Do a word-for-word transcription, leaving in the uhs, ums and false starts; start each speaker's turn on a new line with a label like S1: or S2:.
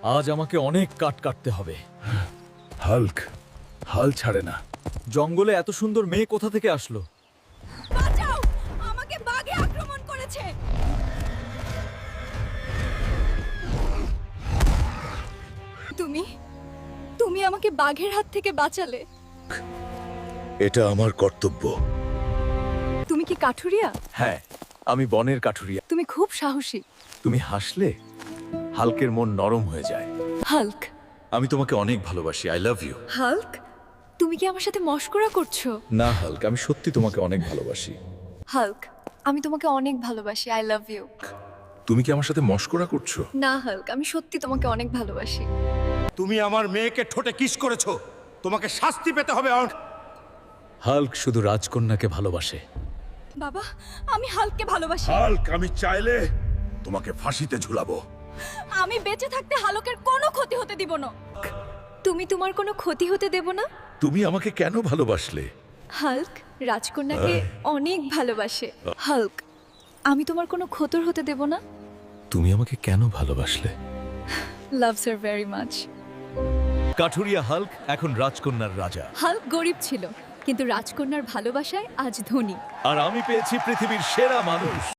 S1: আজ আমাকে অনেক কাট কাটতে হবে।
S2: হাল্ক হাল ছাড়ে না।
S1: জঙ্গলে এত সুন্দর মেয়ে কোথা থেকে আসলো?
S3: বাঁচাও, আমাকে বাঘে আক্রমণ করেছে। তুমি তুমি আমাকে বাঘের হাত থেকে বাঁচালে।
S2: এটা আমার কর্তব্য।
S3: তুমি কি কাঠুরিয়া?
S1: হ্যাঁ, আমি বনের কাঠুরিয়া।
S3: তুমি খুব সাহসী।
S1: তুমি হাসলে হালকের মন নরম হয়ে যায়।
S3: হাল্ক।
S1: আমি তোমাকে অনেক ভালোবাসি। I love you.
S3: হাল্ক, তুমি কি আমার সাথে মশকরা করছো?
S1: না হাল্ক, আমি সত্যি তোমাকে অনেক ভালোবাসি।
S3: হাল্ক, আমি তোমাকে অনেক ভালোবাসি। I love you.
S2: তুমি কি আমার সাথে মশকরা করছো?
S3: না হাল্ক, আমি সত্যি তোমাকে অনেক ভালোবাসি।
S4: তুমি আমার মেয়েকে ঠোঁটে কিস করেছো, তোমাকে শাস্তি পেতে হবে।
S1: হাল্ক শুধু রাজকন্যাকে ভালোবাসে।
S3: বাবা, আমি হাল্ককে ভালোবাসি।
S2: হাল্ক, আমি চাইলে তোমাকে ফাঁসিতে ঝুলাবো।
S3: আমি বেঁচে থাকতে হালকের কোনো ক্ষতি হতে দিব না। তুমি তোমার কোনো ক্ষতি হতে দেব না।
S2: তুমি আমাকে কেন ভালোবাসলে?
S3: হাল্ক রাজকন্যাকে অনেক ভালোবাসে। হাল্ক, আমি তোমার কোনো ক্ষতর হতে দেব না।
S1: তুমি আমাকে কেন ভালোবাসলে?
S3: Loves her very much.
S1: কাঠুরিয়া হাল্ক এখন রাজকন্যার রাজা।
S3: হাল্ক গরিব ছিল, কিন্তু রাজকন্যার ভালোবাসায় আজ ধনী।
S1: আর আমি পেয়েছি পৃথিবীর সেরা মানুষ।